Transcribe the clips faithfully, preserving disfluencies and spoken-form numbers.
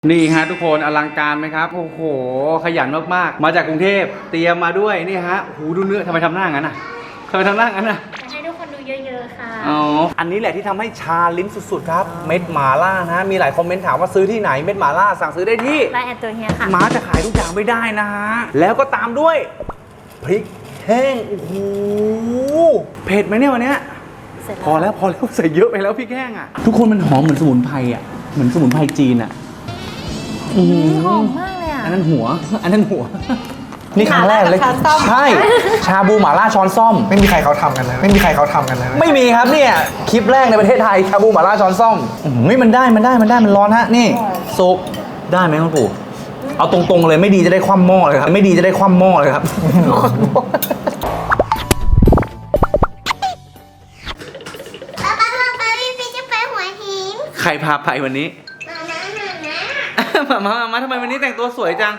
นี่ฮะทุกคนอลังการไหมครับโอ้โหขยันมากๆมาจากกรุงเทพเตรียมมาด้วยนี่ฮะหูดูเนื้อทำไมทำหน้างั้นอ่ะทำไมทำหน้างั้นอ่ะให้ทุกคนดูเยอะๆค่ะอ๋ออันนี้แหละที่ทำให้ชาลิ้นสุดๆครับเม็ดหม่าล่านะมีหลายคอมเมนต์ถามว่าซื้อที่ไหนเม็ดหม่าล่าสั่งซื้อได้ที่ไลน์แอดตัวเฮียค่ะม้าจะขายทุกอย่างไม่ได้นะฮะแล้วก็ตามด้วยพริกแห้งโอ้โหเผ็ดไหมเนี่ยวันเนี้ยพอแล้วพอแล้วใส่เยอะไปแล้วพริกแห้งอ่ะทุกคนมันหอมเหมือนสมุนไพรอ่ะเหมือนสมุนไพรจีนอ่ะหอมมากเลยอ่ะอันนั้นหัวอันนั้นหัวนี่ครั้งแรกเลยใช่ชาบูหม่าล่าช้อนซ่อมไม่มีใครเขาทำกันเลยไม่มีใครเขาทำกันเลยไม่มีครับเนี่ยคลิปแรกในประเทศไทยชาบูหม่าล่าช้อนซ่อมนี่มันได้มันได้มันได้มันร้อนฮะนี่ซุปได้ไหมคุณปู่เอาตรงๆเลยไม่ดีจะได้คว่ำหม้อเลยครับไม่ดีจะได้คว่ำหม้อเลยครับป้าป้าป้าป้าพี่พี่จะไปหัวหินใครพาไปวันนี้มามามามาทำไมวันนี้แต่งตัวสวยจัง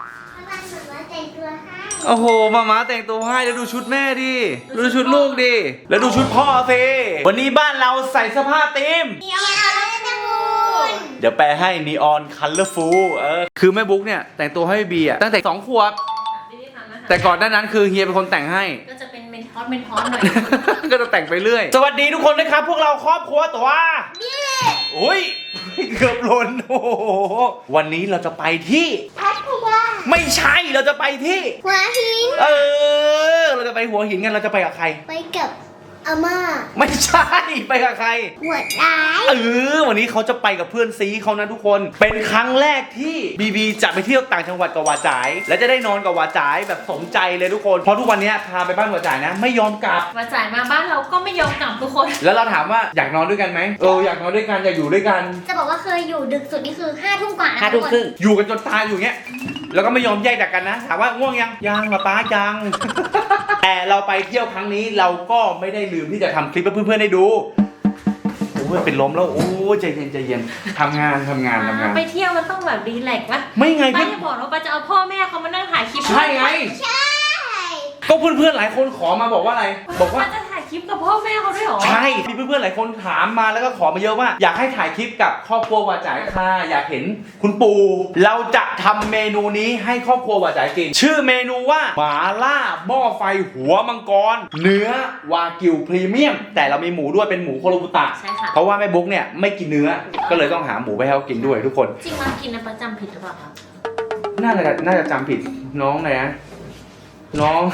โอ้โหมามาแต่งตัวให้แล้วดูชุดแม่ดิดูชุดลูกดิแล้วดูชุดพ่อสิวันนี้บ้านเราใส่เสื้อผ้าธีมนีออนคัลเลอร์ฟูลเดี๋ยวแปลให้นีออนคัลเลอร์ฟูลเออคือแม่บุ๊กเนี่ยแต่งตัวให้บีอ่ะตั้งแต่สองขวบแต่ก่อนหน้านั้นคือเฮียเป็นคนแต่งให้ก็จะเป็นเมนทอสเมนทอสหน่อยก็จะแต่งไปเรื่อยสวัสดีทุกคนนะครับพวกเราครอบครัวตัวโอ้ยเกือบหล่นโอ้โหวันนี้เราจะไปที่พัทยาไม่ใช่เราจะไปที่หัวหินเออเราจะไปหัวหินกันเราจะไปกับใครไปกับอาม่าไม่ใช่ไปกับใครหัวร้ายเออวันนี้เขาจะไปกับเพื่อนซีเขานะทุกคนเป็นครั้งแรกที่บีบีจะไปเที่ยวต่างจังหวัดกับวาจ๋ายและจะได้นอนกับวาจ๋ายแบบสมใจเลยทุกคนเพราะทุกวันนี้พาไปบ้านวาจ๋ายนะไม่ยอมกลับวาจ๋ายมาบ้านเราก็ไม่ยอมกลับทุกคนแล้วเราถามว่าอยากนอนด้วยกันไหมเอออยากนอนด้วยกันอยากอยู่ด้วยกันจะบอกว่าเคยอยู่ดึกสุดนี่คือห้าทุ่มกว่าห้าทุ่มครึ่งอยู่กันจนตายอยู่เงี้ยแล้วก็ไม่ยอมแยกจากกันนะถามว่าง่วงยังยังป้าป้ายัง แต่เราไปเที่ยวครั้งนี้เราก็ไม่ได้ลืมที่จะทำคลิปให้เพื่อนๆได้ดูโอ้ยเป็นล้มแล้วโอ้ยใจเย็นใจเย็นทำงานทำงานทำงานไปเที่ยวมันต้องแบบดีแลกซ์วะไม่ไงป้าจะบอกว่าป้าจะเอาพ่อแม่เขามานั่งถ่ายคลิปใช่ไงใช่ก็เพื่อนๆหลายคนขอมาบอกว่าอะไรบอกว่าจะถ่ายคลิปกับพ่อแม่เขาด้วยหรอใช่มีเพื่อนๆหลายคนถามมาแล้วก็ขอมาเยอะว่าอยากให้ถ่ายคลิปกับครอบครัววาจ๋ายค่ะอยากเห็นคุณปู่เราจะทำเมนูนี้ให้ครอบครัววาจ๋ายกินชื่อเมนูว่าหม่าล่าหม้อไฟหัวมังกรเนื้อวากิวพรีเมียมแต่เรามีหมูด้วยเป็นหมูโคโรบุตะใช่ค่ะเพราะว่าแม่บุ๊กเนี่ยไม่กินเนื้อก็เลยต้องหาหมูไปให้เขากินด้วยทุกคนจริงมากินนะประจำผิดหรือเปล่าครับน่าจะน่าจะจำผิดน้องนะน้อง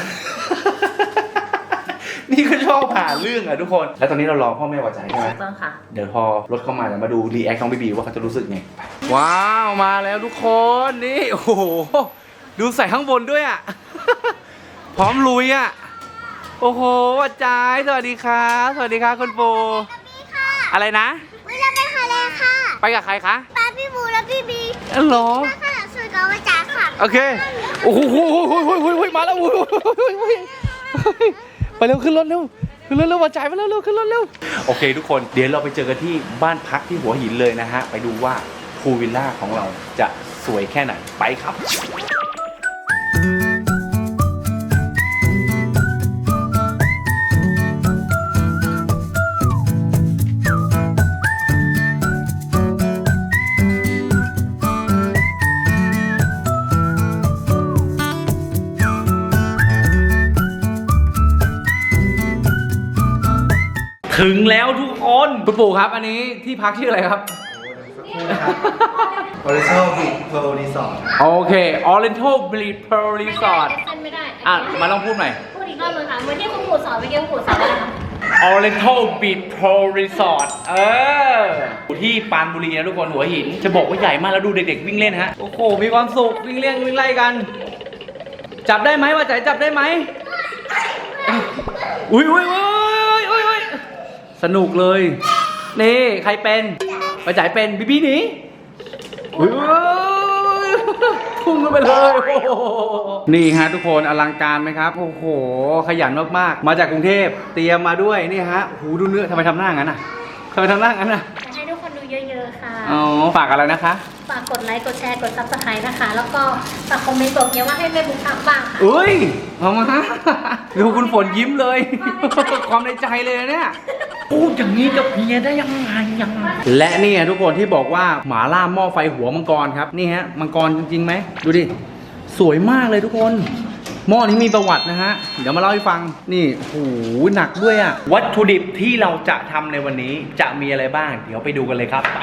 นี่ก็ชอบผ่านเรื่องอะทุกคนแล้วตอนนี้เรารอพ่อแม่วาจ๋ายใช่ไหมต้องค่ะเดี๋ยวพอรถเข้ามาเดี๋ยวมาดูรีแอคน้องบีบีว่าเขาจะรู้สึกไงว้าวมาแล้วทุกคนนี่โอ้โหดูใส่ข้างบนด้วยอะ พร้อมลุยอะโอ้โหวาจ๋ายสวัสดีครับสวัสดีครับคุณปู่อะไรนะ weจะไปทะเลค่ะไปกับใครคะป้าพี่บูและพี่บีอ๋อเหรอข้างหลังสวยกับวาจ๋ายค่ะโอเคโอ้โหมาแล้วไปเร็วขึ้นรถเร็วขึ้นรถเร็ววาจ๋ายมาเร็วเร็วขึ้นรถเร็วโอเคทุกคนเดี๋ยวเราไปเจอกันที่บ้านพักที่หัวหินเลยนะฮะไปดูว่าพูลวิลล่าของเราจะสวยแค่ไหนไปครับถึงแล้วทุกคนคุณปู่ครับอันนี้ที่พักชื่ออะไรครับ Oriental Beach Pearl Resort โอเค Oriental Beach Pearl Resort ไม่ได้อ่ะมาลองพูดใหม่พูดอีกรอบนึงค่ะเหมือนที่คุณปู่สอนเมื่อกี้คุณปู่สอนอะไรนะ Oriental Beach Pearl Resort เอออยู่ที่ปรานบุรีนะทุกคนหัวหินจะบอกว่าใหญ่มากแล้วดูเด็กๆวิ่งเล่นฮะโอ้โหมีความสุขวิ่งเล่นวิ่งไล่กันจับได้ไหมวาจ๋ายจับได้ไหมอุ้ยอุ้ยอุ้ยอุ้ยอุ้ยสนุกเลยนี่ใครเป็นวาจ๋ายเป็นบีบีหนีอุ้ยพุ่งกันไปเลยนี่ฮะทุกคนอลังการไหมครับโอ้โหขยันมากๆมาจากกรุงเทพเตรียมมาด้วยนี่ฮะหูดูเนื้อทำไมทำหน้างั้นอ่ะทำไมทำหน้างั้นอ่ะให้ทุกคนดูเยอะๆค่ะอ๋อฝากอะไรนะคะฝากกดไลค์กดแชร์กดซับสไครต์นะคะแล้วก็ฝากคอมเมนต์บอกเนี้ยว่าให้แม่บุ๊กทำบ้างค่ะอุ้ยเอามาดูคุณฝนยิ้มเลยความในใจเลยเนี่ยพูดอย่างนี้กับเมียได้ยังไงยังไงและนี่ทุกคนที่บอกว่าหมาล่าหม้อไฟหัวมังกรครับนี่ฮะมังกรจริงๆไหมดูดิสวยมากเลยทุกคนหม้อนี้มีประวัตินะฮะเดี๋ยวมาเล่าให้ฟังนี่โอ้โหหนักด้วยอะวัตถุดิบที่เราจะทำในวันนี้จะมีอะไรบ้างเดี๋ยวไปดูกันเลยครับไป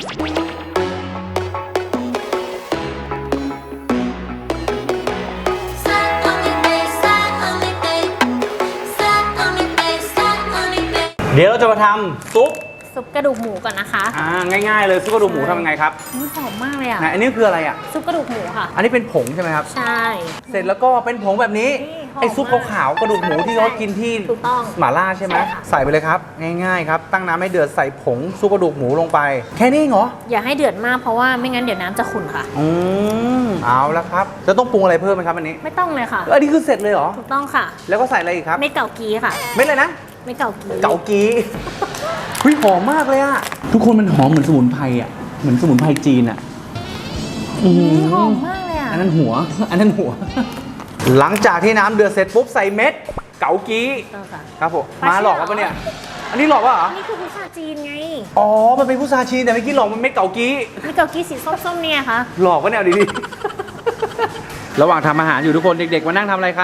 เดี๋ยวเราจะมาทำซุปซุปกระดูกหมูก่อนนะคะอ่าง่ายๆเลยซุปกระดูกหมูทำยังไงครับนี่หอมมากเลยอ่ะไหนอันนี้คืออะไรอ่ะซุปกระดูกหมูค่ะอันนี้เป็นผงใช่ไหมครับใช่เสร็จแล้วก็เป็นผงแบบนี้นี่หอมไอ้ซุปขาวๆกระดูกหมูที่เขากินที่ถูกต้องหม่าล่าใช่ไหมใช่ค่ะใส่ไปเลยครับง่ายๆครับตั้งน้ำให้เดือดใส่ผงซุปกระดูกหมูลงไปแค่นี้เหรออย่าให้เดือดมากเพราะว่าไม่งั้นเดี๋ยวน้ำจะขุ่นค่ะอืมเอาละครับจะต้องปรุงอะไรเพิ่มไหมครับอันนี้ไม่ต้องเลยค่ะเอออันนี้คือเสร็จเลยเหรอถูกต้องค่ะแล้วก็ใส่อะไรอีกครับเม็ดเก่ากีค่ะเม็ดอะไรนะเม็ดเก่ากีเกากีเฮ้ยหอมมากเลยอะทุกคนมันหอมเหมือนสมุนไพรอะเหมือนสมุนไพรจีนอะอืนี่หอมมมากเลยอ่ะอันนั้นหัว อันนั้นหัว หลังจากที่น้ำเดือดเสร็จปุ๊บใส่เม็ดเกากีต้องค่ะครับผมปลามาหลอกเชื่อปะเนี่ย อันนี้หลอกปะเหรอนี่คือพุทราจีนไงอ๋อ มันเป็นพุทราจีนแต่เมื่อกี้หลอกมันเม็ดเกากีเม็ดเก่ากีสีส้มๆเนี่ยค่ะหลอกปะเนี่ยเอาดีๆ ระหว่างทำอาหารอยู่ทุกคนเด็กๆมานั่งทำอะไรคะ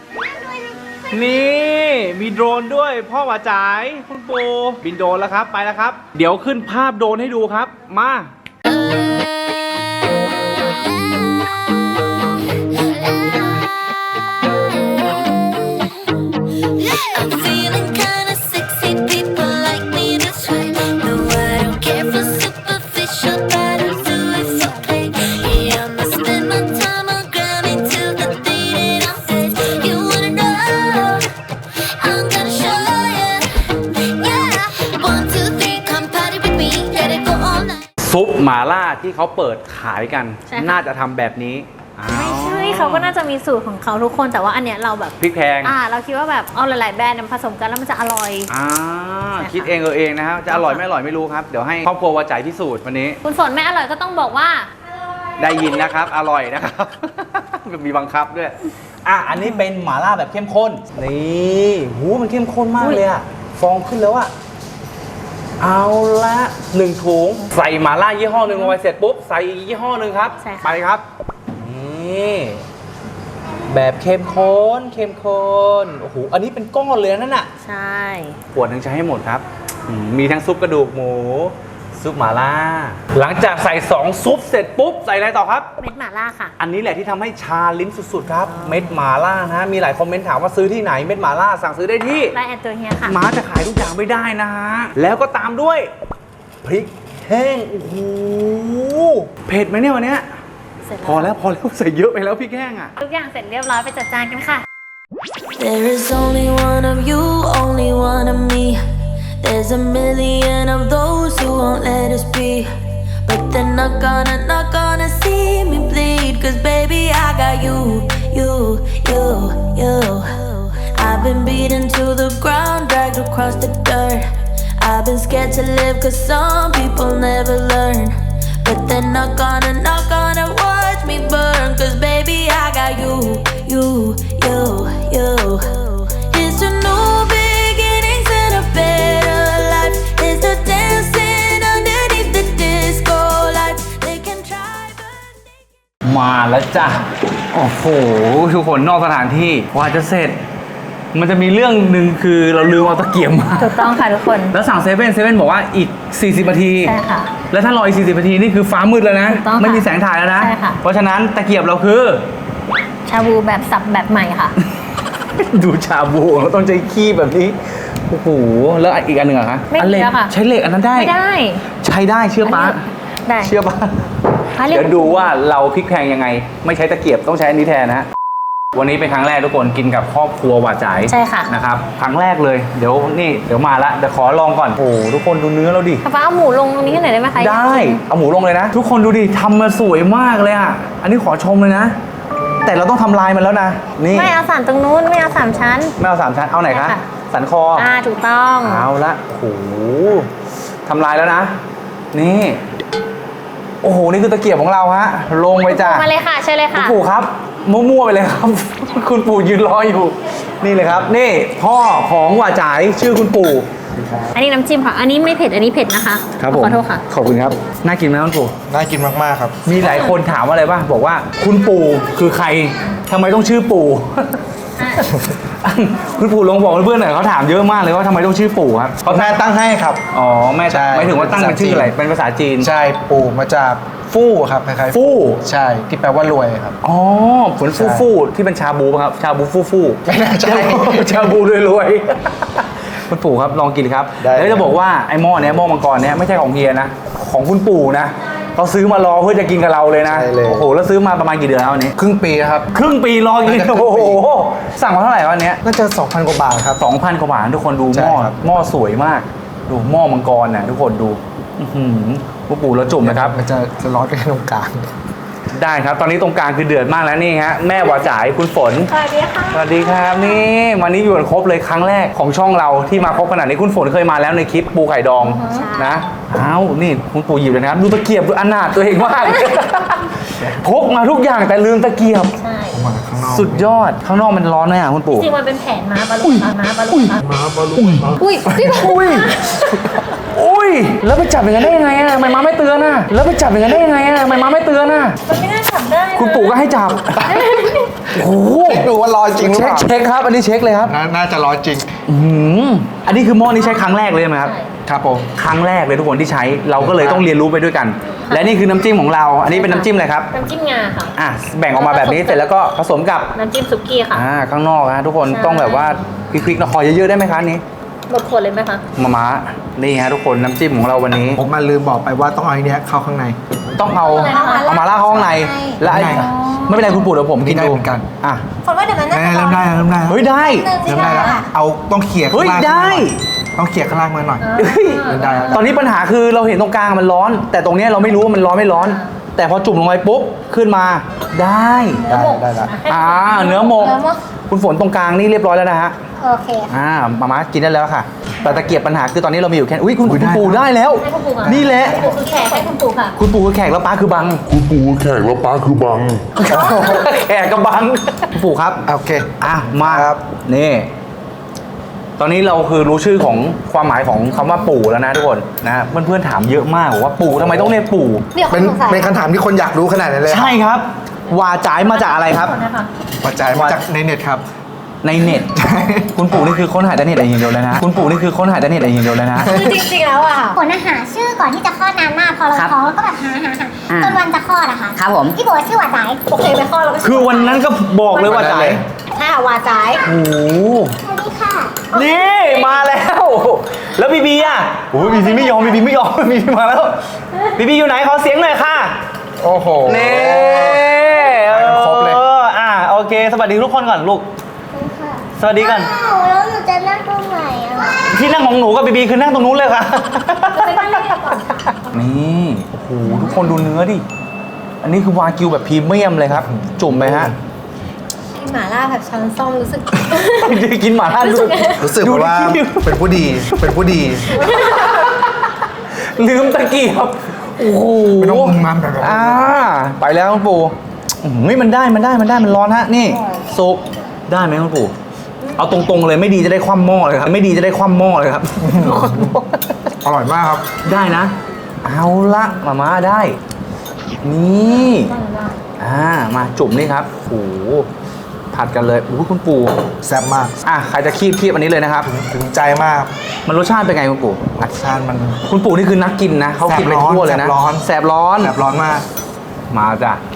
นี่มีโดรนด้วยพ่อหวาจ๋ายคุณปูบินโดรนแล้วครับไปแล้วครับ เดี๋ยวขึ้นภาพโดรนให้ดูครับมา I'm feeling kinda sexy, people like me this way. No, I don't care for superficial, but I'll do it for play. Yeah, I'ma spend my time on Grammy till the day that I'm dead. You wanna know? I'm gonna show ya. Yeah, one, two, three, come party with me. Let it go all night. ซุปหม่าล่าที่เขาเปิดขายกันใช่ค่ะน่าจะทำแบบนี้อ้าวไม่ใช่เขาก็น่าจะมีสูตรของเขาทุกคนแต่ว่าอันเนี้ยเราแบบพริกแพงอ่าเราคิดว่าแบบเอาหลาย ๆ แบรนด์มาผสมกันแล้วมันจะอร่อยอ่าใช่ค่ะคิดเองเออเองนะครับจะอร่อยไม่อร่อยไม่รู้ครับ เดี๋ยวให้ครอบครัววาจ่ายพิสูจน์วันนี้คุณฝนไม่อร่อยก็ต้องบอกว่าได้ยินนะครับ อร่อยนะครับ มีบังคับด้วย อ่ะ อันนี้เป็นหม่าล่าแบบเข้มข้น นี่หูมันเข้มข้นมากเลยอะฟองขึ้นแล้วอะเอาละหนึ่งถุง ใส่หม่าล่ายี่ห้อหนึ่งลงไปเสร็จปุ๊บ ใส่อีกยี่ห้อหนึ่งครับใช่ค่ะไปครับ นี่ แบบเข้มข้น เข้มข้น โอ้โห อันนี้เป็นก้อนเลยนั่นน่ะใช่ขวดหนึ่งใช้ให้หมดครับอืมมีทั้งซุปกระดูกหมู ซุปหม่าล่า หลังจากใส่สองซุปเสร็จปุ๊บ ใส่อะไรต่อครับเม็ดหม่าล่าค่ะอันนี้แหละที่ทำให้ชาลิ้นสุดๆครับ เม็ดหม่าล่านะ มีหลายคอมเมนต์ถามว่าซื้อที่ไหน เม็ดหม่าล่าสั่งซื้อได้ที่ไลน์แอนตัวเฮียค่ะม้าจะขายทุกอย่างไม่ได้นะฮะ แล้วก็ตามด้วย พริกแห้ง โอ้โห เผ็ดไหมเนี่ยวันเนี้ยเสร็จพอแล้วพอแล้วใส่เยอะไปแล้วพริกแห้งอ่ะทุกอย่างเสร็จเรียบร้อยไปจัดจานกันค่ะ There is only one of you, only one of me. There's a million of those who won't let us be. But they're not gonna, not gonna see me bleed. Cause baby, I got you, you, you, you. I've been beaten to the ground, dragged across the dirt. I've been scared to live cause some people never learn. But they're not gonna, not gonna watch me burn. Cause baby, I got you, you, you, you. It's a new beginnings and a better life. It's the dancing underneath the disco lights. They can try but มาแล้วจ้ะ โอ้โห ทุกคนนอกสถานที่กว่าจะเสร็จ มันจะมีเรื่องหนึ่งคือเราลืมเอาตะเกียบมาถูกต้องค่ะทุกคนแล้วสั่งเซเว่นเซเว่นบอกว่าอีก สี่สิบ นาทีใช่ค่ะแล้วถ้ารออีก สี่สิบ นาที นี่คือฟ้ามืดแล้วนะถูกต้องค่ะไม่มีแสงถ่ายแล้วนะใช่ค่ะเพราะฉะนั้นตะเกียบเราคือชาบูแบบสับแบบใหม่ค่ะดูชาบูเราต้องใช้ขี้แบบนี้ โอ้โห แล้วอีกอันหนึ่งอะคะไม่มีอันเหล็กแล้วค่ะใช้เหล็กอันนั้นได้ไม่ได้ใช้ได้เชื่อป้าได้เชื่อป้าอ่ะเรียกเดี๋ยวดูว่าเราพลิกแพลงยังไง ไม่ใช้ตะเกียบต้องใช้อันนี้แทนนะฮะ วันนี้เป็นครั้งแรกทุกคนกินกับครอบครัวหวาจ่ายใช่ค่ะนะครับครั้งแรกเลยเดี๋ยวนี่เดี๋ยวมาละเดี๋ยวขอลองก่อนโอ้โหทุกคนดูเนื้อเราดิป้าเอาหมูลงตรงนี้ให้หน่อยได้ไหมคะได้เอาหมูลงเลยนะ ทุกคนดูดิทำมาสวยมากเลยอ่ะอันนี้ขอชมเลยนะ แต่เราต้องทำลายมันแล้วนะนี่ไม่เอาสามตรงนู้นไม่เอาสามชั้นไม่เอาสามชั้นเอาไหนคะใช่ค่ะสันคออ่าถูกต้องเอาละโอ้โหทำลายแล้วนะ นี่โอ้โหนี่คือตะเกียบของเราฮะลงไปจ้ะมาเลยค่ะเชิญเลยคุณค่ะปู่ครับมั่วๆไปเลยครับ คุณปู่ยืนรออยู่ นี่เลยครับ นี่พ่อของหว่าจ่ายชื่อคุณปู่อันนี้น้ำจิ้มค่ะ อันนี้ไม่เผ็ด อันนี้เผ็ดนะคะครับผมขอโทษค่ะขอบคุณครับ น่ากินไหมคุณปู่น่ากินมากๆครับมีหลายคนถามอะไรป่ะ บอกว่าคุณปู่คือใครทำไมต้องชื่อปู่ คุณปู่ลองบอกเพื่อนๆหน่อยเขาถามเยอะมากเลยว่าทำไมต้องชื่อปู่ครับเพราะแม่ตั้งให้ครับอ๋อแม่ใช่หมายถึงว่าตั้งเป็นชื่ออะไร เป็นภาษาจีนใช่ปู่มาจากฟู่ครับคล้ายๆฟู่ใช่ที่แปลว่ารวยครับอ๋อเหมือนฟู่ใช่ฟู่ที่เป็นชาบูป่ะครับ ชาบูฟู่ฟู่ไม่น่าใช่ชาบูรวยๆ คุณปู่ครับลองกินครับได้แล้วจะบอกว่าไอ้หม้อเนี้ยหม้อมังกรเนี้ยไม่ใช่ของเฮียนะ ของคุณปู่นะเขาซื้อมารอเพื่อจะกินกับเราเลยนะใช่เลยโอ้โหแล้วซื้อมาประมาณกี่เดือนแล้วอันนี้ครึ่งปีครับครึ่งปีรอกินน่าจะครึ่โอ้งปีโหสั่งมาเท่าไหร่วันเนี้ยน่าจะ สองพัน กว่าบาทครับสองพันกว่าบาททุกคนดูหใช่ม้อครับหม้อสวยมาก ดูหม้อมังกรนะทุกคนดูอื้อหือคุณปู่แล้วจุ่มนะครับมันจะจะร้อนไปตรงกลางได้ครับตอนนี้ตรงกลางคือเดือดมากแล้วนี่ฮะแม่หวาจ่ายคุณฝนสวัสดีค่ะสวัสดีครับนี่วันนี้อยู่กันครบเลยครั้งแรกของช่องเราที่มาครบขนาดนี้คุณฝนเคยมาแล้วในคลิปปูไข่ดองนะอ้าวนี่คุณปู่หยิบเลยนะครับดูตะเกียบดูอนาถตัวเองมาก พกมาทุกอย่างแต่ลืมตะเกียบใช่มาข้างนอกสุดยอดข้างนอกมันร้อนไหมอ่ะคุณปู่จริงๆมันเป็นแผนม้าบาลูนม้าบาลูนม้าบาลูนอุ้ยพี่บอกอุ้ยอุ้ยแล้วไปจับอย่างนั้นได้ยังไงอ่ะทำไมมาไม่เตือนอ่ะแล้วไปจับอย่างนั้นได้ยังไงอ่ะทำไมมาไม่เตือนอ่ะมันไม่น่าจับได้นะคุณปู่ก็ให้จับโอ้โหดูว่าร้อนจริงหรือเช็เปคล่าเช็คครับอันนี้เช็คเลยครับน่าน่าจะร้อนจริงอื้อหืออันนี้คือหม้อนี้ใช้ครั้งแรกเลยไหมครับใช่ครับผมครั้งแรกเลยทุกคนที่ใช้เราก็เลยต้องเรียนรู้ไปด้วยกัน และนี่คือน้ำจิ้มของเรา อันนี้เป็นน้ำจิ้มอะไรครับน้ำจิ้มงาค่ะอ่ะแบ่งออกมาแบบนี้เสร็จแล้วก็ผสมกับน้ำจิ้มซุกี้ค่ะอ่าข้างนอกนะทุกคนใช่ต้องแบบว่าพริกๆนะขอเยอะๆได้ไหมคะอันนี้หมดขวดเลยไหมคะมาม้านี่ฮะทุกคนน้ำจิ้มของเราวันนี้ผมมาลืมบอกไปว่าต้องเอาไอ้เนี้ยเข้าข้างในต้องเอาอะไรนะคะเอามาล่าดเข้าข้างในและไอ้ข้างในไม่เป็นไรคุณปู่เดี๋ยวผมกินได้ดูเหมือนกันอ่ะคนว่าเดี๋ยวมันน่าจะเริ่มได้แล้วเริ่มได้แล้วเฮ้ยได้เริ่มได้แล้วเอาต้องเขี่ยข้างล่างเฮ้ยได้ต้องเขี่ยข้างล่างมาหน่อยเฮ้ยได้แล้วตอนนี้ปัญหาคือเราเห็นตรงกลางมันร้อน แต่ตรงเนี้ยเราไม่รู้ว่ามันร้อนไม่ร้อน แต่พอจุ่มลงไปปุ๊บขึ้นมาได้ได้ได้แล้วอ่าเนื้อหมกเนื้อหมกคุณฝนตรงกลางนี่เรียบร้อยแล้วนะฮะโอเคค่ะอ่ามาม่ากินได้แล้วค่ะ แต่ตะเกียบปัญหาคือตอนนี้เรามีอยู่แค่อุ้ยคุณอุ๊ยคุณได้ปู่ได้แล้วให้คุณปู่ก่อนนี่แหละคุณปู่คือแขกให้คุณปู่ค่ะคุณปู่คือแขกแล้วป้าคือบังคุณปู่แขกแล้วป้าคือบังแขกกับบังคุณปู่ครับโอเคอ่ะมาครับนี่ ตอนนี้เราคือรู้ชื่อของความหมายของคำว่าปู่แล้วนะทุกคนนะเพื่อนๆถามเยอะมากบอกว่าปู่ทำไมต้องเรียกปู่เดี๋ยวเป็เขานสงสัยเป็นคำถามที่คนอยากรู้ขนาดนั้นเลยใช่ครับวาจ่ายมาจากอะไรครับขอนะคะปัจจัยมาจากในเน็ตครับในเน็ต คุณปู่นี่คือค้นหาแต่เน็ตอย่างเดียวเลยนะ คุณปู่นี่คือค้นหาแต่เน็ตอย่างเดียวเลยนะคือจริงๆแล้วอ่ะผลอาหารชื่อก่อนที่จะคลอดนานมากพอเราครับท้องแล้วก็แบบหาหาหาอ่าจนวันจะคลอดอะค่ะครับผมพี่โบชื่อว่าสายโอเคไปข้อเราก็คือวันนั้นก็บอกเลยว่าจ่ายถ้าวาจ่ายโอ้โหสวัสดีค่ะนี่มาแล้ว แล้วบีบีอ่ะโอ้ยบีบีไม่ยอมบีบีไม่ยอมบีบีมาแล้วบีบีอยู่ไหนขอเสียงหน่อยค่ะโอ้โหนี่ไปกันครบเลยอออ่ะโอเค สวัสดีทุกคนก่อนลูก สวัสดีกันอ้าวแล้วหนูจะนั่งตรงไหนอะที่นั่งของหนูกับบีบีคือนั่งตรงนู้นเลยค่ะไปบ้านเล็กก่อนค่ะนี่โอ้โหทุกคนดูเนื้อดิ อันนี้คือวากิวแบบพรีเมียมเลยครับ จุ่มไปฮะกินหม่าล่าแบบช้อนส้อมรู้สึกกินหมาล่าดูรู้สึกดูว่าดิเป็นผู้ดี เป็นผู้ดีลืมตะเกียบโอ้โหไม่ต้องมึงมันแบบนั้นอ่าไปแล้วคุณปู่อื้อหือมันได้มันได้มันได้มันร้อนฮะนี่ซุปได้ไหมคุณปู่เอาตรงๆเลยไม่ดีจะได้คว่ำหม้อเลยครับ ไม่ดีจะได้คว่ำหม้อเลยครับอร่อยมากครับได้นะ เอาละมาม่าได้ นี่อ่ามาจุ่มนี่ครับโอ้โหผัดกันเลยโอ้โหคุณปู่แซ่บมากอ่ะใครจะคีบคีบอันนี้เลยนะครับถึงใจมากมันรสชาติเป็นไงคุณปู่รสชาติมันคุณปู่นี่คือนักกินนะเขากินไปทั่วเลยนะแสบร้อนแสบร้อนแซ่บร้อนมากมาจ้ะ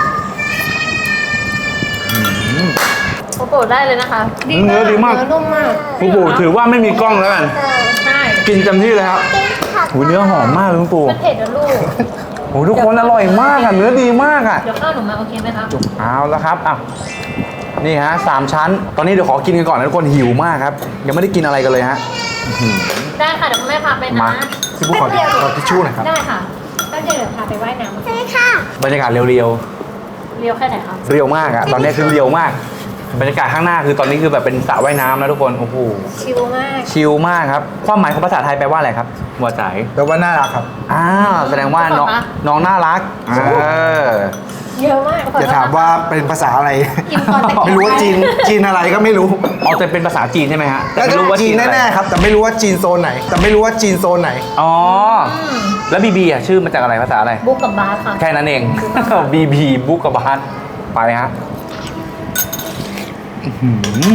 โอ้โหได้เลยนะคะเนื้อดีมากเนื้อนุ่มมากคุณปู่ถือว่าไม่มีกล้องแล้วกันใช่กินเต็มที่เลยครับโหเนื้อหอมมากเลยคุณปู่มันเผ็ดนะลูกโหทุกคนอร่อยมากอ่ะเนื้อดีมากอ่ะเดี๋ยวข้าวหนูมาโอเคไหมคะเอาแล้วครับอ่ะนี่ฮะสามชั้น ตอนนี้เดี๋ยวขอกินกันก่อนนะทุกคนหิวมากครับ ยังไม่ได้กินอะไรกันเลยฮะได้ค่ะเดี๋ยวคุณแม่พาไปนะมาพี่บุ๊คขอขอทิชชู่หน่อยครับได้ค่ะก็เดี๋ยวพาไปว่ายน้ำใช่ค่ะบรรยากาศเรียวเรียวแค่ไหนคะๆเรียวมากอ่ะตอนนี้คือเรียวมาก บรรยากาศข้างหน้าคือตอนนี้คือแบบเป็นสระว่ายน้ำนะทุกคนโอ้โหชิลมากชิลมากครับความหมายของภาษาไทยแปลว่าอะไรครับบัวใจายแปลว่าน่ารักครับอ้าวแสดงว่าน้องน้องน่ารักเออเยอะมากอย่าถามว่าเป็นภาษาอะไรอิมพอร์ตไม่รู้ว่าจีนจีนอะไรก็ไม่รู้อ๋อแต่เป็นภาษาจีนใช่ไหมฮะแต่น่าไม่จะรู้ว่าจีนอะไรแน่ๆครับ แต่ไม่รู้ว่าจีนโซนไหน แต่ไม่รู้ว่าจีนโซนไหนอ๋อแล้วบีบีอ่ะชื่อมาจากอะไรภาษาอะไรบุ๊กกับบาสค่ะแค่นั้นเอง บีบีบุกกับบาสไปฮะอื้อหือ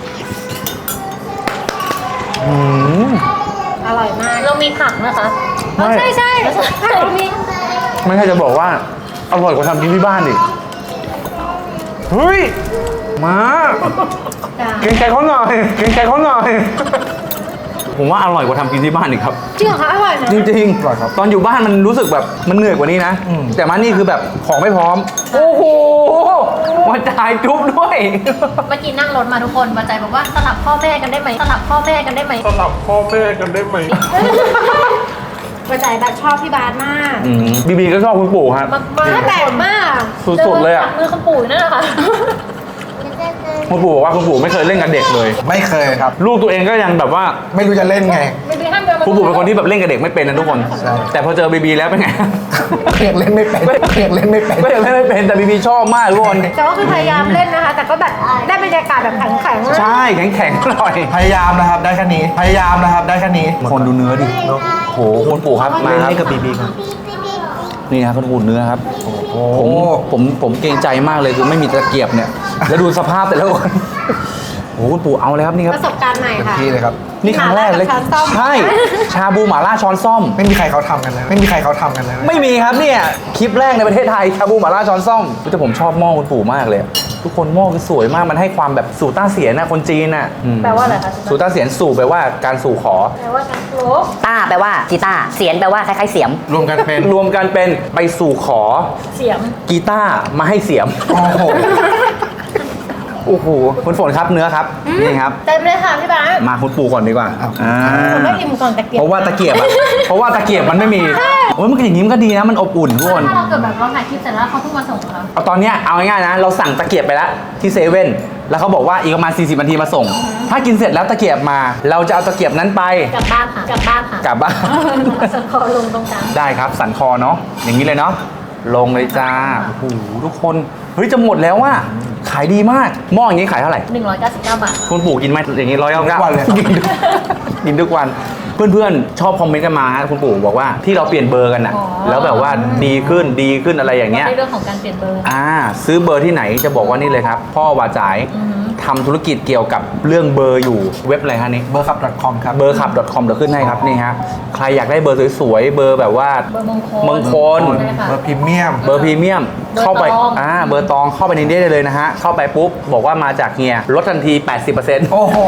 อื้อหืออร่อยมาก เรามีผักนะคะไม่ใช่ใช่ผักเรามีไม่ใช่จะบอกว่าอร่อยกว่าทำกินที่บ้านดิเฮ้ยมาเกรงใจเขาหน่อยเกรงใจเขาหน่อยผมว่าอร่อยกว่าทำกินที่บ้านอีกครับจริงเหรอคะอร่อยนะจริงอร่อยครับๆ ตอนอยู่บ้านมันรู้สึกแบบมันเหนื่อยกว่านี้นะอืมแต่มานี่คือแบบของไม่พร้อม โอ้โหมาจ่ายจุ๊บด้วยเมื่อกี้นั่งรถมาทุกคนมาใจบอกว่าสลับพ่อแม่กันได้ไหมสลับพ่อแม่กันได้ไหมสลับพ่อแม่กันได้ไหมมาใจแบบชอบพี่บาสมากอืมบีบีก็ชอบคุณปู่ครับมากมากแปลกมากสุดๆเลยอะมือคุณปู่นั่นแหละค่ะคุณปู่บอกว่าคุณปู่ไม่เคยเล่นกับเด็กเลยไม่เคยครับลูกตัวเองก็ยังแบบว่าไม่รู้จะเล่นไงไม่มีห้ามเดินมาคุณปู่เป็นคนที่แบบเล่นกับเด็กไม่เป็นนะทุกคนใช่แต่พอเจอบีบีแล้วเป็นไงเพียงเล่นไม่เป็นเพียงเล่นไม่เป็นก็ยังเล่นไม่เป็นแต่บีบีชอบมากทุกคนแต่ว่าคือพยายามเล่นนะคะ แต่ก็แบบได้บรรยากาศแบบแข็งๆใช่แข็งแข็งๆหน่อยพยายามนะครับ ได้แค่นี้ พยายามนะครับ ได้แค่นี้คนดูเนื้อดิโหคุณปู่ครับมาเล่นครับนี่กับบีบีครับนี่นะครับคุณปู่เนื้อครับโอ้ผมผมผมเกรงใจมากเลยคือไม่มีตะเกียบเนี่ย แล้วดูสภาพแต่ละคนโอ้โหคุณปู่เอาเลยครับนี่ครับประสบการณ์ใหม่เต็มค่ะที่เลยครับนี่ครั้งแรกเลยหม่าล่ากับช้อนส้มใช่ ชาบูหม่าล่าช้อนส้มไม่มีใครเขาทำกันเลย ไม่มีใครเขาทำกันเลยไม่มีครับเนี่ยคลิปแรกในประเทศไทยชาบูหม่าล่าช้อนส้มแต่ผมชอบหม้อคุณปู่มากเลย ทุกคนหม้อคือสวยมากมันให้ความแบบสู่ต้าเสียนนะคนจีนน่ะอืมแปลว่าอะไรคะสู่ต้าเสียนสู่แปลว่าการสู่ขอแปลว่าการโคลกต้าแปลว่ากีตาร์เสียนแปลว่าคล้ายๆเสียมรวมกันเป็นรวมกันเป็นไปสู่ขอเสียมกีตาร์มาให้เสียมโอ้โหโอ้โหคุณฝนครับเนื้อครับนี่ครับเต็มเลยค่ะพี่บาสมาคุณปู่ก่อนดีกว่าอ่าผมไม่อิ่มก่อนตะเกียบเพราะว่าตะเกียบอะเพราะว่าตะเกียบมันไม่มีโอ้ยมันก็อย่างนี้มันก็ดีนะมันอบอุ่นทุกคนถ้าเราเกิดแบบเราถ่ายคลิปเสร็จแล้วเขาเพิ่งมาส่งเราเอาตอนเนี้ยเอาง่ายๆนะ เราสั่งตะเกียบไปแล้วที่เซเว่นแล้วเขาบอกว่าอีกประมาณสี่สิบนาทีมาส่ง ถ้ากินเสร็จแล้วตะเกียบมา เราจะเอาตะเกียบนั้นไปกลับบ้านค่ะกลับบ้านค่ะกลับบ้านสันคอลงตรงกลางได้ครับสันคอเนาะอย่างนี้เลยเนาะลงเลยจ้าโอ้โหทุกคนเฮ้ยจะหมดแล้วว่ะขายดีมากหม้ออย่างนี้ขายเท่าไหร่หนึ่งร้อยเก้าสิบเก้าบาทคุณปู่กินไหมอย่างนี้ร้อยเก้าทุเก้ากวันเลยกินทุกกินทุกวันเพื่อนๆชอบคอมเมนต์กันมาฮะคุณปู่บอกว่าที่เราเปลี่ยนเบอร์กันน่ะอ๋อแล้วแบบว่าดีขึ้นดีขึ้นอะไรอย่างเงี้ยในเรื่องของการเปลี่ยนเบอร์อ่าซื้อเบอร์ที่ไหนจะบอกว่านี่เลยครับ พ่อวาจ่ายอือหือทำธุรกิจเกี่ยวกับเรื่องเบอร์อยู่เว็บอะไรฮะนี่เบอร์ขับ .com ครับเบอร์ขับ .com เดี๋ยวขึ้นให้ครับนี่ฮะใครอยากได้เบอร์สวยๆเบอร์แบบว่าเบอร์มงคลมงคลใช่ค่ะเบอร์พรีเมียมเบอร์พรีเมียมเบอร์เข้าไปตองอ่าเบอร์ตองเข้าไปในนี้ได้เลยนะฮะเข้าไปปุ๊บบอกว่ามาจากเฮียลดทันที แปดสิบเปอร์เซ็นต์โอ้โห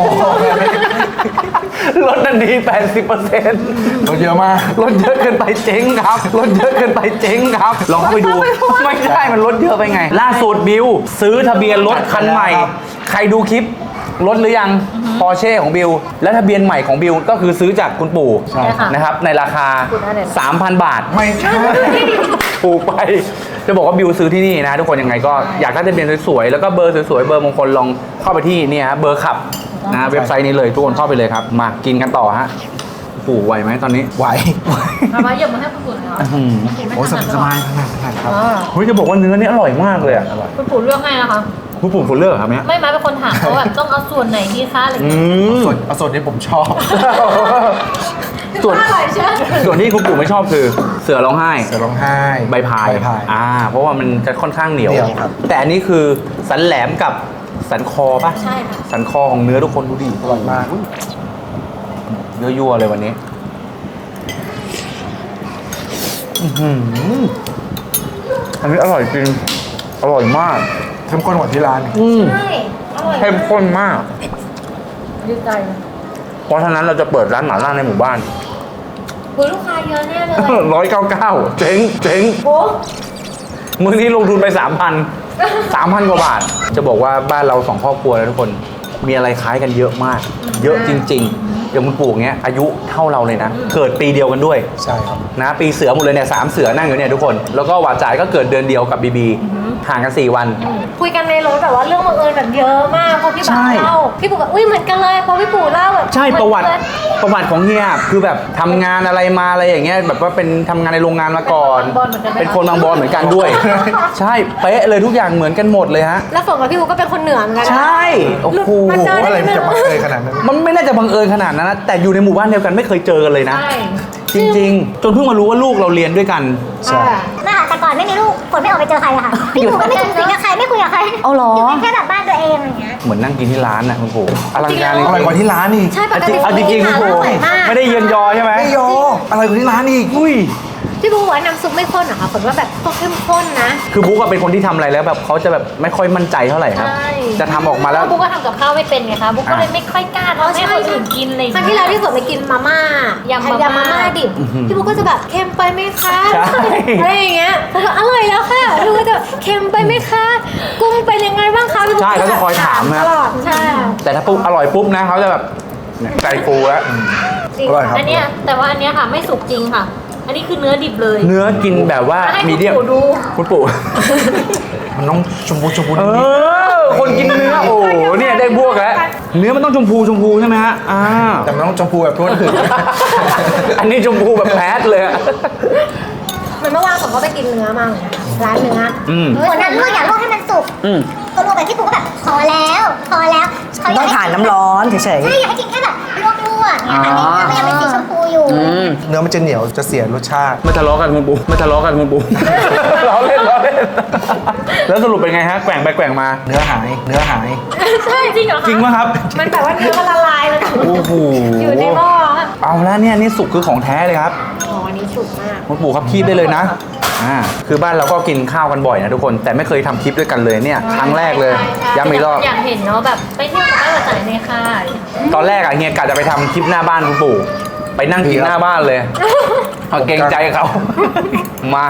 ลดทันที แปดสิบเปอร์เซ็นต์รถเยอะมากลดเยอะเกินไปเจ๊งครับลดเยอะเกินไปเจ๊งครับลองเข้าไปดูไม่ใช่มันลดเยอะไปไง ล่าสุดบิวซื้อทะเบียนรถคันใหม่ ใครดูคลิปรถหรือยังปอร์เช่ของบิวและทะเบียนใหม่ของบิวก็คือซื้อจากคุณปู่ใช่ค่ะนะครับในราคาพูดได้เลยสามพัน บาทไม่ใช่ถูกไป จะบอกว่าบิวซื้อที่นี่นะ ทุกคนยังไงก็อยากได้ทะเบียนสวยๆแล้วก็เบอร์สวยๆเบอร์มงคลลองเข้าไปที่เนี่ยฮะเบอร์ขับนะเว็บไซต์นี้เลยทุกคนเข้าไปเลยครับมากินกันต่อฮะโอ้โหไหวไหมตอนนี้ไหวเอามาเยี่ยมมาให้คุณปู่หน่อยเหรออื้อหือกินไม่โอ้ถนัดสหรอบายขนาดขนาดครับอ๋อเฮ้ยจะบอกว่าเนื้อนี่อร่อยมากเลยอะคุณปู่เลือกให้นะคะคุณปู่คุณเลือกเหรอครับเนี่ยไม่มาเป็นคนถามเขาแบบต้องเอาส่วนไหนดีคะอะไรอย่างอืเงี้ยมส่วนเอาส่วนที่ผมชอบส่วนอร่อยเชียวส่วนที่คุณปู่ไม่ชอบคือเสือร้องไห้เสือร้องไห้ใบพายใบพายอ่าเพราะว่ามันจะค่อนข้างเหนียวเหนียวครับแต่อันนี้คือสันแหลมกับสันคอป่ะใช่ค่ะสันคอของเนื้อทุกคนดูดิอร่อยมากยั่วๆเลยวันนี้อื้อหืออันนี้อร่อยจริง อร่อยมากเข้มข้นกว่าที่ร้านอีกอืมใช่อร่อยเข้มข้นมากดีใจเพราะฉะนั้นเราจะเปิดร้านหม่าล่าในหมู่บ้านคุยลูกค้าเยอะแน่เลยร้อยเก้าเก้าเจ๊งเจ๊งโอ้มื้อนี้ลงทุนไปสามพันสามพันกว่าบาท จะบอกว่าบ้านเราสองครอบครัวแล้วทุกคน มีอะไรคล้ายกันเยอะมาก เยอะจริง ๆอย่างคุณปู่เงี้ยอายุเท่าเราเลยนะ เกิดปีเดียวกันด้วยใช่ครับนะปีเสือหมดเลยเนี่ยสามเสือนั่งอยู่เนี่ยทุกคน แล้วก็หวาดจ่ายก็เกิดเดือนเดียวกับบีบีห่างกันสี่วันคุยกันในรถแบบว่าเรื่องบังเอิญแบบเยอะมากพอพี่ใช่บ่าวเล่าพี่ปู่แบบอุ้ยเหมือนกันเลยพอพี่ปู่เล่าแบบใช่ประวัติเหมือนกันประวัติของเฮียคือแบบทำงานอะไรมาอะไรอย่างเงี้ยแบบว่าเป็นทำงานในโรงงานมาก่อน เป็นคนบางบอนเหมือนกันด้วย ใช่เป๊ะเลยทุกอย่างเหมือนกันหมดเลยฮะแล้วฝนกับพี่ปู่ก็เป็นคนเหนือเหมือนกันนะใช่โอ้โหมันเจออะไรได้มันจะบังเอิญขนาดนั้นมันไม่น่าจะบังเอิญขนาดนั้นนะแต่อยู่ในหมู่บ้านเดียวกันไม่เคยเจอกันเลยนะใช่จริงๆ จนเพิ่งมารู้ว่าลูกเราเรียนด้วยกันใช่ไม่ค่ะแต่ก่อนไม่มีลูกฝนไม่ออกไปเจอใครอะค่ะพี่ปู่ก็ไม่สูงสิงกับใครไม่คุยกับใครเอาเหรออยู่เป็นแค่แบบบ้านตัวเองอะไรอย่างเงี้ยเหมือนนั่งกินที่ร้านนะคุณปู่อลังการอร่อยกว่าที่ร้านอีกใช่ปกติเอาจริงๆคุณปู่อร่อยมากไม่ได้เยินยอใช่ไหมไม่ยออร่อยกว่าที่ร้านอีกอุ้ยพี่ปู่บอกว่าน้ำซุปไม่ข้นเหรอคะฝนว่าแบบต้องเข้มข้นนะคือบุ๊กอะเป็นคนที่ทำอะไรแล้วแบบเขาจะแบบไม่ค่อยมั่นใจเท่าไหร่ครับ จะทำออกมาแล้วบุ๊กก็ทำกับข้าวไม่เป็นไงคะบุ๊กก็เลยไม่ค่อยกล้าทำให้คนอื่นกินเลยครั้งที่แล้วที่ฝนไปกินมาม่ายำมาม่ายยำมาม่าดิบพี่บุ๊กก็จะแบบเค็มไปไหมคะใช่อะไรอย่างเงี้ยผมก็อร่อยแล้วค่ะพี่บุ๊กก็จะเค็มไปไหมคะกุ้งเป็นยังไงบ้างคะพี่บุ๊กใช่เขาจะคอยถามตนะลอดใช่แต่ถ้าปุ๊บอร่อยปุ๊บนะเขาจะแบบเนี่ยใจฟูแล้วจริงอร่อยครับอันเนี้ยแต่ว่าอันเนี้ยค่ะไม่สุกจริงค่ะ อันนี้คือเนื้อดิบเลยเนื้อกินแบบว่าให้มีคุณเดียมปู่ดูคุณปู่มันต้องชมพูชมพูเอนิดอ คนกินเนื้อโอ้โหเนี่ยได้บวกแล้ว เนื้อมันต้องชมพูชมพูใช่ไหมฮะอ่าๆแต่มันต้องชมพูแบบคนอื่นอันนี้ชมพูแบบแพทเลยอะเหมือนเมื่อวานผมก็ไปกินเนื้อมาเหมือนกันค่ะร้านเนื้ออืมฝนนั้นลวกอยากลวกให้มันสุกอืมก็ลวกแบบพี่ปู่ก็แบบพอแล้วพอแล้วเขยต้กองให้ผ่านน้ำร้อนเฉยใช่อยากให้กินแค่แบบลวกๆเนี่ยค่ะอ๋อเนื้อมันยังเป็นสีชมพูอยู่อืมเนื้อมันจะเหนียวจะเสียรสชาติไม่ทะเลาะกันคุณปูไม่ทะเลาะกันคุณปู ล้อเล่นล้อเล่น แล้วสรุปเป็นไงฮะ แกว่งไปแกว่งมาเนื้อหาย เนื้อหายใช่จริงเหรอคะจริงไหมครับมันแบบว่าเนื้อมันละลายมันโอ้โหอยู่ในหม้ออะเอาแล้วเนี่ยนี่สุกคือของแท้เลยครับอ๋ออันนี้ฉุกมากคุณปู่ครับคีบได้เลยนะอ่าคือบ้านเราก็กินข้าวกันบ่อยนะทุกคน แต่ไม่เคยทำคลิปด้วยกันเลยเนี่ย ครั้งแรกเลยย้ำอีกรอบอยากเห็นเนาะแบบไปเที่ยวกับแม่มาจ่ายในค่ายตอนแรกอะเฮียกะจะไปทำคลิปหน้าบ้านคุณปู่ ไปนั่งกินหน้าบ้านเลยเอาเกรงใจเขา มา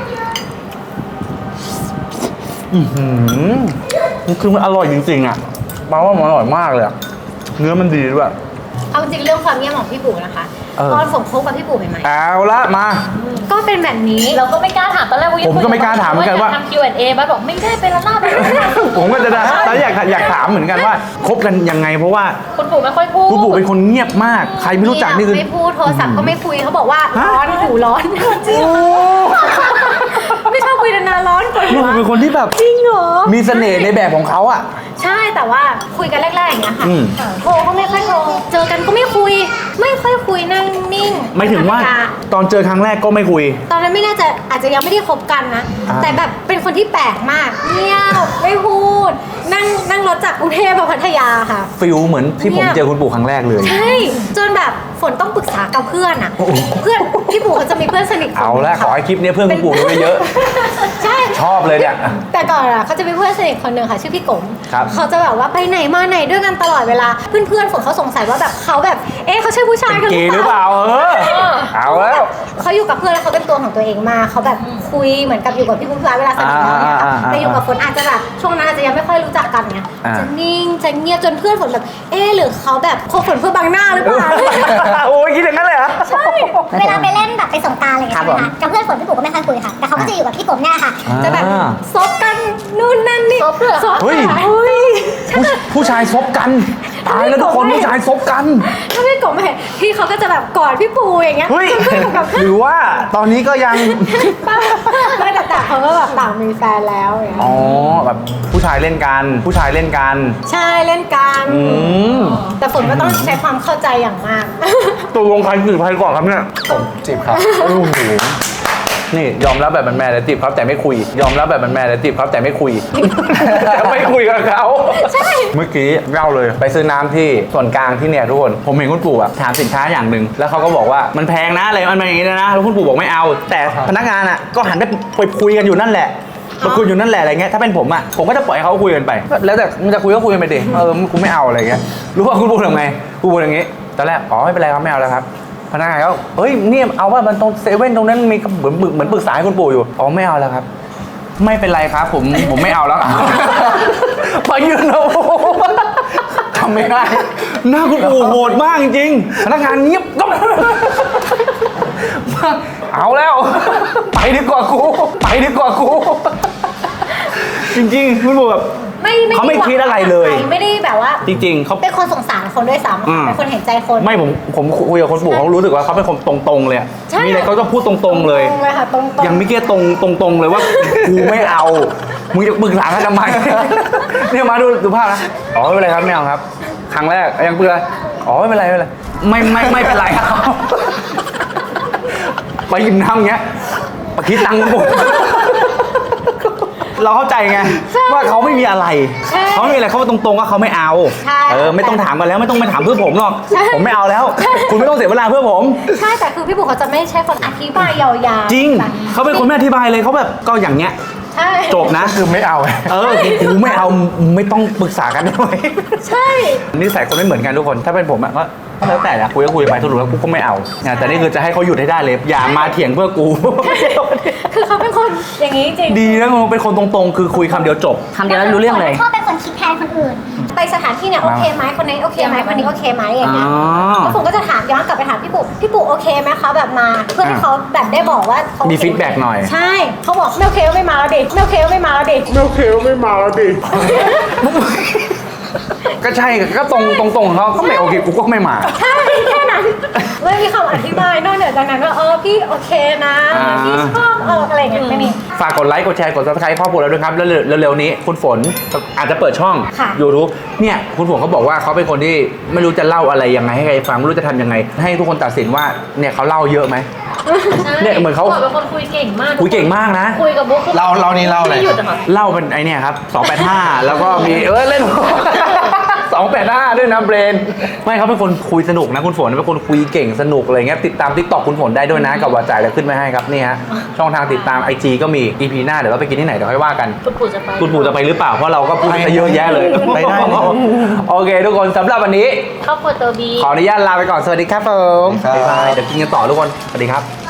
อือหือคือมันอร่อยจริงๆอะแปลว่ามันอร่อยมากเลยอะเนื้อมันดีด้วยเอาจริงเรื่องความเงียบของพี่ปู่นะคะเออตอนผมคบกับพี่ปู่ใหม่เอาละมาๆก็เป็นแบบนี้เราก็ไม่กล้าถามตอนแรกว่าผมก็ไม่กล้าถามเหมือนกันว่าทำ คิว แอนด์ เอ บ้านบอกไม่ได้ไปละลาบไปละลาบผมก็จะได้แต่อยากอยากถามเหมือนกันว่าคบกันยังไงเพราะว่าคุณปู่ไม่ค่อยพูดคุณปู่เป็นคนเงียบมาก ใครไม่รู้จักนี่คือไม่พูดโทรศัพท์ก็ไม่คุยเขาบอกว่าฮะร้อนหูร้อนจริงไม่ชอบคุยนานๆร้อนกว่านี่ผมเป็นคนที่แบบจริงเหรอมีเสน่ห์ในแบบของเขาอะใช่แต่ว่าคุยกันแรกๆอย่างเงี้ยค่ะอืมโทรก็ไม่ค่อยโทรเจอกันก็ไม่คุย ไม่ค่อยคุยนั่งนิ่งไม่ถึงว่าธรรมดตอนเจอครั้งแรกก็ไม่คุยตอนนั้นไม่น่าจะอาจจะยังไม่ได้คบกันนะอ่าแต่แบบเป็นคนที่แปลกมากเงียบไม่พูด นั่งนั่งรถจากกรุงเทพมาพัทยาค่ะฟิลเหมือนที่ผมเนี่ยเจอคุณปู่ครั้งแรกเลยใช่จนแบบฝนต้องปรึกษากับเพื่อนอ่ะ เพื่อนพี่ปู่เขาจะมีเพื่อนสนิทคนเอาละหนึ่งขอให้คลิปนี้เพื่อนคุณปู่ดูเยอะใช่ชอบเลยเนี่ยแต่ก่อนอ่ะเขาจะมีเพื่อนสนิทคนหนึ่งค่ะชื่อพี่กงครับเขาจะแบบว่าไปไหนมาไหนด้วยกันตลอดเวลาเพื่อนๆฝนเขาสงสัยว่าแบบเขาแบบเอ๊ะเขาใช่ผู้ชายเป็นกันเกย์หรือเปล่าเออเอาแล้วเขาอยู่กับเพื่อนแล้วเขาเป็นตัวของตัวเองมากเขาแบบคุยเหมือนกับอยู่กับพี่พุ่มพลายเวลาสนิทกันเนี่ยอ่าอ่าอ่าแต่อยู่กับฝนอาจจะแบบช่วงนั้นอาจจะยังไม่ค่อยรู้จักกันเนี่ยอ่าจะนิ่งจะเงียบจนเพื่อนฝนแบบเอ๊ะหรือเขาแบบคบฝนเพื่อบังหน้าหรือเปล่าโอ้ยคิดอย่างนั้นเลยเหรอใช่เวลาไปเล่นแบบไปสงกรานต์อะไรอย่างเงี้ยครับใช่ไหมคะกับเพื่อนฝนพี่ปู่ก็ไม่ค่อยคุยค่ะ แต่เขาก็จะอยู่กับพี่กบเนี่ยค่ะจะแบบอ่าซบกันนู่นนั่นนี่ซบเหรอซบเฮ้ยเฮ้ยผู้ผู้ชายซบกันตายแล้วทุกคนผู้ชายซบกันถ้าพี่กบมาเห็นพี่เขาก็จะแบบกอดพี่ปูอย่างเงี้ยเฮ้ยจนเพื่อนกับหรือว่าตอนนี้ก็ยังไม่แต่แต่เขาก็แบบต่างมีแฟนแล้วอย่างเงี้ยอ๋อแบบผู้ชายเล่นกัน ผู้ชายเล่นกันใช่เล่นกันอืมแต่ฝนก็ต้องใช้ความเข้าใจอย่างมากตัวลงใครจีบใครก่อนครับเนี่ยผมจีบครับโอ้โหนี่ยอมรับแบบแมนๆเลยจีบครับแต่ไม่คุย ยอมรับแบบแมนๆเลยจีบครับแต่ไม่คุย แต่ไม่คุยกับเขาใช่เมื่อกี้เล่าเลยไปซื้อน้ำที่ส่วนกลางที่เนี่ยทุกคนผมเห็นคุณปู่อะถามสินค้าอย่างหนึ่งแล้วเขาก็บอกว่ามันแพงนะอะไรมันเป็นอย่างนี้นะแล้วคุณปู่บอกไม่เอา แต่พนักงานอะก็หันไปไปคุยกันอยู่นั่นแหละมาคุยอยู่นั่นแหละอะไรเงี้ยถ้าเป็นผมอะผมก็จะปล่อยให้เขาคุยกันไป แล้วแต่มันจะคุยก็คุยกันไปดิเออกูไม่เอาอะไรเงี้ยรู้ว่าคุณปู่ทำไงคุณปู่อย่างงี้ตอนแรกอ๋อไม่เป็นไรครับไม่เอาแล้วครับพนักงานเขาเฮ้ยเนี่ยเอาว่ามันตรงเซเว่นตรงนั้นมีเหมือนเหมือนปรึกษาให้คุณปู่อยู่อ๋อไม่เอาแล้วครับ ไม่เป็นไรครับผมผมไม่เอาแล้ว พอยืนเอาจำไม่ได้ หน้าคุณปู่โหดมากจริงๆพนักงานเงียบก็เอาแล้ว ไปดีกว่ากู ไปดีกว่ากู จริงๆคุณปู่แบบไม่เขาไม่คิดอะไรเลยไม่ได้แบบว่าจริง ๆเขาเป็นคนสงสารคนด้วยซ้ำอืมเป็นคนเห็นใจคนไม่ผมผมคุยกับคนปู่เขารู้สึกว่าเขาเป็นคนตรงๆเลยอะใช่มีอะไรเขาต้องพูดตรงๆเลยตรงเลยค่ะตรงๆยังไม่เกี้ตรงตรงๆเลยว่า กูไม่เอา มึงจะปรึกษากันทำไม เนี่ยมาดูดูภาพนะ อ๋อไม่เป็นไรครับไม่เอาครับ ครั้งแรกยังเบื่ออ๋อไม่เป็นไรไม่เป็นไร ไม่ไม่ไม่เป็นไรครับ ไปหยิบน้ำอย่างเงี้ยมาคิดตังค์ผมเราเข้าใจไงว่าเขาไม่มีอะไรใช่เขาไม่มีอะไรเขาตรงๆว่าเขาไม่เอาใช่เออไม่ต้องถามกันแล้วไม่ต้องไปถามเพื่อผมหรอกใช่ผมไม่เอาแล้ว คุณไม่ต้องเสียเวลาเพื่อผมใช่แต่คือพี่ปู่เขาจะไม่ใช่คนอธิบายยาวๆจริงแบบเขาเป็นคนไม่อธิบายเลยเขาแบบก็อย่างเงี้ยใช่จบนะคือไม่เอาเออกูไม่เอาไม่ต้องปรึกษากันได้ไหมใช่นิสัยคนไม่เหมือนกันทุกคนถ้าเป็นผมอะก็ก็แล้วแต่นะคุยก็คุยไปสรุปแล้วกูก็ไม่เอานะแต่นี่คือจะให้เขาหยุดให้ได้เลยอย่ามาเถียงเพื่อกูคือเขาเป็นคนอย่างนี้จริงดีนะมึงเป็นคนตรงๆ คือคุยคำเดียวจบคำเดียวแล้วรู้เรื่องเลยชอบเป็นคนคิดแทนคนอื่นไปสถานที่เนี่ยโอเคไหมคนนี้นโอเคไหมคนนี้โอเคไหมอย่างเงี้ยอ๋อแล้วผมก็จะถามย้อนกลับไปถามพี่ปู่พี่ปู่โอเคไหมคะแบบมา เพื่อให้เขาแบบได้บอกว่าเขามีมี feedback หน่อยใช่เขาบอกไม่โอเคก็ไม่มาแล้วดิไม่โอเคก็ไม่มาแล้วดิไม่โอเคก็ไม่มาแล้วดิก็ใช่ก็ตรงตรงๆของเขาเขาไม่โอเคกูก็ไม่มาใช่แค่นั้นไม่มีคำอธิบายนอกเหนือจากนั้นว่าเออพี่โอเคนะอ่าพี่ชอบเอออะไรอย่างเงี้ยไม่มีฝากกดไลค์กดแชร์กด subscribe ครอบครัวเราด้วยครับแล้วเร็วๆนี้คุณฝนอาจจะเปิดช่องค่ะ YouTube เนี่ยคุณฝนเขาบอกว่าเขาเป็นคนที่ไม่รู้จะเล่าอะไรยังไงให้ใครฟังไม่รู้จะทำยังไง ให้ทุกคนตัดสินว่าเนี่ยเขาเล่าเยอะไหม เนี่ยเหมือนเขาเป็นคนคุยเก่งมากคุยเก่งมากนะคุยกับบุ๊กคือเราเรานี่เล่าอะไรไม่หยุดอะค่ะเล่าเป็นไอเนี่ยครับสองแปดห้า แล้วก็มีเออเล่น สองแปดห้าด้วยนะเบรนไม่เขาเป็นคนคุยสนุกนะคุณฝนเป็นคนคุยเก่งสนุกอะไรเงี้ยติดตาม TikTok คุณฝนได้ด้วยนะกับวาจ่ายแล้วขึ้นไว้ให้ครับนี่ฮะช่องทางติดตาม ไอ จี ก็มี อี พี หน้าเดี๋ยวเราไปกินที่ไหนเดี๋ยวค่อยว่ากันคุณปู่จะไปคุณปู่จะไปหรือเปล่าเพราะเราก็พูดไปเยอะแยะเลยไปได้เลยโอเค ทุกคนสำหรับวันนี้ครอบครัวตัวบีขออนุญาตลาไปก่อนสวัสดีครับผมสวัสดีครับบ๊ายบายเดี๋ยวกินกันต่อทุกคนสวัสดีครับ